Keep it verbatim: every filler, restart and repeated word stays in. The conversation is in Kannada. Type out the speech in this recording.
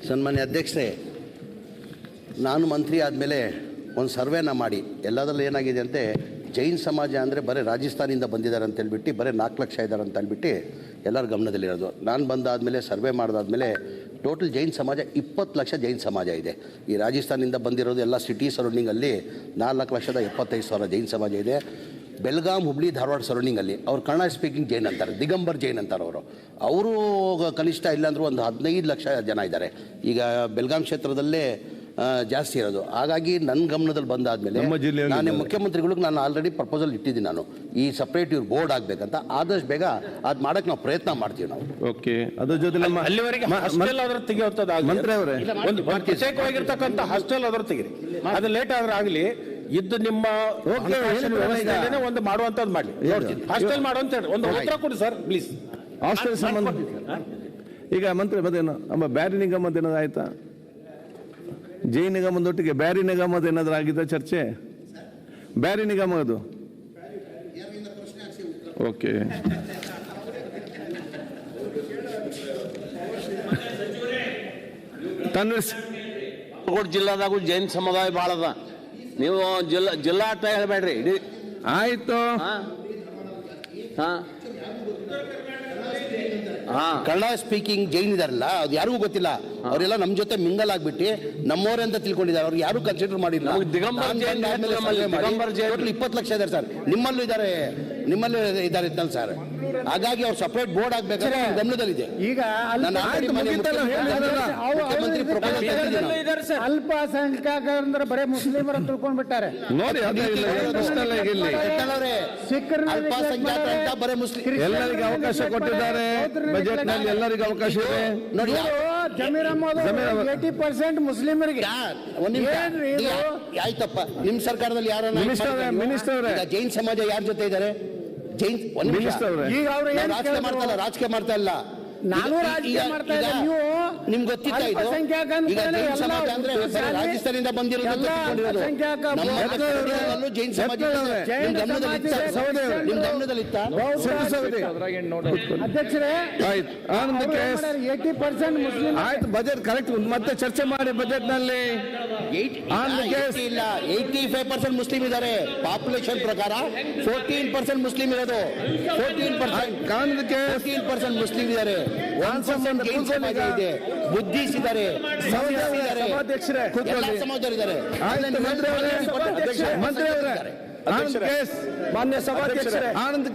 ಸನ್ಮಾನ್ಯ ಅಧ್ಯಕ್ಷರೇ, ನಾನು ಮಂತ್ರಿ ಆದಮೇಲೆ ಒಂದು ಸರ್ವೆನ ಮಾಡಿ ಎಲ್ಲದರಲ್ಲಿ ಏನಾಗಿದೆ ಅಂತೆ, ಜೈನ್ ಸಮಾಜ ಅಂದರೆ ಬರೀ ರಾಜಸ್ಥಾನಿಂದ ಬಂದಿದ್ದಾರೆ ಅಂತೇಳ್ಬಿಟ್ಟು ಬರೀ ನಾಲ್ಕು ಲಕ್ಷ ಇದ್ದಾರೆ ಅಂತ ಹೇಳ್ಬಿಟ್ಟು ಎಲ್ಲರ ಗಮನದಲ್ಲಿರೋದು. ನಾನು ಬಂದಾದಮೇಲೆ ಸರ್ವೆ ಮಾಡಿದಾದ್ಮೇಲೆ ಟೋಟಲ್ ಜೈನ್ ಸಮಾಜ ಇಪ್ಪತ್ತು ಲಕ್ಷ ಜೈನ್ ಸಮಾಜ ಇದೆ. ಈ ರಾಜಸ್ಥಾನಿಂದ ಬಂದಿರೋದು ಎಲ್ಲ ಸಿಟಿ ಸರೌಂಡಿಂಗಲ್ಲಿ ನಾಲ್ಕು ಲಕ್ಷದ ಎಪ್ಪತ್ತೈದು ಸಾವಿರ ಜೈನ್ ಸಮಾಜ ಇದೆ. ಬೆಲ್ಗಾಮ್, ಹುಬ್ಳಿ, ಧಾರವಾಡ ಸರೌಂಡಿಂಗಲ್ಲಿ ಅವ್ರು ಕನ್ನಡ ಸ್ಪೀಕಿಂಗ್ ಜೈನ್ ಅಂತಾರೆ, ದಿಗಂಬರ್ ಜೈನ್ ಅಂತಾರೆ ಅವರು. ಅವರು ಕನಿಷ್ಠ ಇಲ್ಲಾಂದ್ರೂ ಒಂದು ಹದಿನೈದು ಲಕ್ಷ ಜನ ಇದ್ದಾರೆ. ಈಗ ಬೆಲ್ಗಾಮ್ ಕ್ಷೇತ್ರದಲ್ಲೇ ಜಾಸ್ತಿ ಇರೋದು. ಹಾಗಾಗಿ ನನ್ನ ಗಮನದಲ್ಲಿ ಬಂದಾದಮೇಲೆ ನಾನು ಮುಖ್ಯಮಂತ್ರಿಗಳಿಗೆ ನಾನು ಆಲ್ರೆಡಿ ಪ್ರಪೋಸಲ್ ಇಟ್ಟಿದ್ದೀನಿ. ನಾನು ಈ ಸಪ್ರೇಟ್ ಇವ್ರು ಬೋರ್ಡ್ ಆಗಬೇಕಂತ ಆದಷ್ಟು ಬೇಗ ಅದು ಮಾಡೋಕ್ಕೆ ನಾವು ಪ್ರಯತ್ನ ಮಾಡ್ತೀವಿ ನಾವು. ಓಕೆ, ಅದ್ರ ಜೊತೆ ಅಲ್ಲಿವರೆಗೆ ಹಾಸ್ಟೆಲ್ ಆದ್ರೂ ತೆಗೆಯುವಂಥದ್ದು ಮಂತ್ರಿ ಅವರೇ, ಒಂದು ಪ್ರತ್ಯೇಕವಾಗಿರ್ತಕ್ಕಂಥ ಹಾಸ್ಟೆಲ್ ಆದ್ರೂ ತೆಗಿರಿ. ಅದು ಲೇಟ್ ಆದ್ರೆ ಆಗಲಿ, ಇದ್ದು ನಿಮ್ಮ ಒಂದು ಮಾಡುವಂಥದ್ದು ಮಾಡಲಿ. ಹಾಸ್ಟೆಲ್ ಮಾಡುವಂತ ಹೇಳಿ ಒಂದು ಉತ್ತರ ಕೊಡಿ ಸರ್ ಪ್ಲೀಸ್. ಹಾಸ್ಟೆಲ್ ಸಂಬಂಧ ಈಗ ಮಂತ್ರಿ ಮತ್ತೇನು ನಮ್ಮ ಬ್ಯಾರಿ ನಿಗಮದ ಏನಾದ್ರು ಆಯ್ತಾ? ಜೈನ್ ನಿಗಮದೊಟ್ಟಿಗೆ ಬ್ಯಾರಿ ನಿಗಮದ ಏನಾದ್ರು ಆಗಿದ್ದ ಚರ್ಚೆ? ಬ್ಯಾರಿ ನಿಗಮ ಅದು ಓಕೆ. ಬಾಗಲಕೋಟೆ ಜಿಲ್ಲಾದಾಗೂ ಜೈನ್ ಸಮುದಾಯ ಭಾಳ ಅದ. ನೀವು ಜಿಲ್ಲಾ ಜಿಲ್ಲಾ ಅಂತ ಹೇಳ್ಬೇಡ್ರಿ. ಇಡೀ ಆಯ್ತು. ಕನ್ನಡ ಸ್ಪೀಕಿಂಗ್ ಜೈನ್ ಇದಾರಲ್ಲ, ಅದು ಯಾರಿಗೂ ಗೊತ್ತಿಲ್ಲ. ಅವರೆಲ್ಲ ನಮ್ಮ ಜೊತೆ ಮಿಂಗಲ್ ಆಗ್ಬಿಟ್ಟು ನಮ್ಮವರೇ ಅಂತ ತಿಳ್ಕೊಂಡಿದ್ದಾರೆ. ಅವ್ರು ಯಾರು ಕನ್ಸಿಡರ್ ಮಾಡಿಲ್ಲ. ಇಪ್ಪತ್ತು ಲಕ್ಷ ಇದ್ದಾರೆ ಸರ್, ನಿಮ್ಮಲ್ಲೂ ಇದ್ದಾರೆ, ನಿಮ್ಮಲ್ಲೂ ಇದ್ದಾರೆ ಇದ್ದಲ್ಲಿ ಸರ್. ಹಾಗಾಗಿ ಅವ್ರು ಸಪರೇಟ್ ಬೋರ್ಡ್ ಆಗ್ಬೇಕಾದ್ರೆ ಗಮನದಲ್ಲಿದೆ. ಈಗ ಅಲ್ಪಸಂಖ್ಯಾತರಂದ್ರೆ ಬರೇ ಮುಸ್ಲಿಮರ ತಿಳ್ಕೊಂಡ್ಬಿಟ್ಟಾರೆ ನೋಡಿ. ಅಲ್ಪಸಂಖ್ಯಾತ ಅಂತ ಬರೇ ಮುಸ್ಲಿಂ ಎಲ್ಲರಿಗೂ ಅವಕಾಶ ಕೊಟ್ಟಿದ್ದಾರೆ ಬಜೆಟ್ ನಲ್ಲಿ. ಎಲ್ಲರಿಗೂ ಅವಕಾಶ ಇದೆ ನೋಡಿ. ಜಮೀರ್ ಅಹಮದ್ ಏಟಿ ಪರ್ಸೆಂಟ್ ಮುಸ್ಲಿಮರಿಗೆ. ಆಯ್ತಪ್ಪ, ನಿಮ್ ಸರ್ಕಾರದಲ್ಲಿ ಯಾರು ಮಿನಿಸ್ಟರ್ ಜೈನ್ ಸಮಾಜ ಯಾರ ಜೊತೆ ಇದ್ದಾರೆ? ಜೈನ್ ಈಗ ಅವ್ರು ರಾಜಕೀಯ ಮಾಡ್ತಾ ಇಲ್ಲ, ರಾಜಕೀಯ ಮಾಡ್ತಾ ಇಲ್ಲ. ನಾನು ರಾಜಕೀಯ ಮಾಡ್ತಾ ಇಲ್ಲ. ನೀವು ನಿಮ್ಗೆ ಗೊತ್ತಿತ್ತ ಇದು? ಈಗ ಜೈನ್ ಸಮಾಜ ಅಂದ್ರೆ ರಾಜಸ್ಥಾನದಿಂದ ಬಂದಿರೋದು ಜೈನ್ ಸಮಾಜ ನಿಮ್ ಗಮನದಲ್ಲಿ ಇತ್ತ? ಅಧ್ಯಕ್ಷರೇ, ಏಟಿ ಪರ್ಸೆಂಟ್ ಮುಸ್ಲಿಂ. ಆಯ್ತು, ಬಜೆಟ್ ಕರೆಕ್ಟ್ ಮತ್ತೆ ಚರ್ಚೆ ಮಾಡಿ. ಬಜೆಟ್ ನಲ್ಲಿ ಇಲ್ಲ, ಏಯ್ಟಿ ಫೈವ್ ಪರ್ಸೆಂಟ್ ಮುಸ್ಲಿಂ ಇದ್ದಾರೆ. ಪಾಪ್ಯುಲೇಷನ್ ಪ್ರಕಾರ ಫೋರ್ಟೀನ್ ಪರ್ಸೆಂಟ್ ಮುಸ್ಲಿಂ ಇರೋದು. ಫೋರ್ಟೀನ್ ಪರ್ಸೆಂಟ್ ಕಾರಣಕ್ಕೆ ಫೋರ್ಟೀನ್ ಪರ್ಸೆಂಟ್ ಮುಸ್ಲಿಂ ಇದ್ದಾರೆ. ಒನ್ ಪರ್ಸೆಂಟ್ ಜೈನ್ ಸಮಾಜ ಇದೆ, ಬುದ್ಧಿಸ್ ಇದ್ದಾರೆ, ಸಭಾಧ್ಯಕ್ಷರೇ ಸಮಾಜದವರಿದ್ದಾರೆ. ಮಂತ್ರಿ ಅವರೇ, ಮಾನ್ಯ ಸಭಾಧ್ಯಕ್ಷರೇ, ಆನಂದ್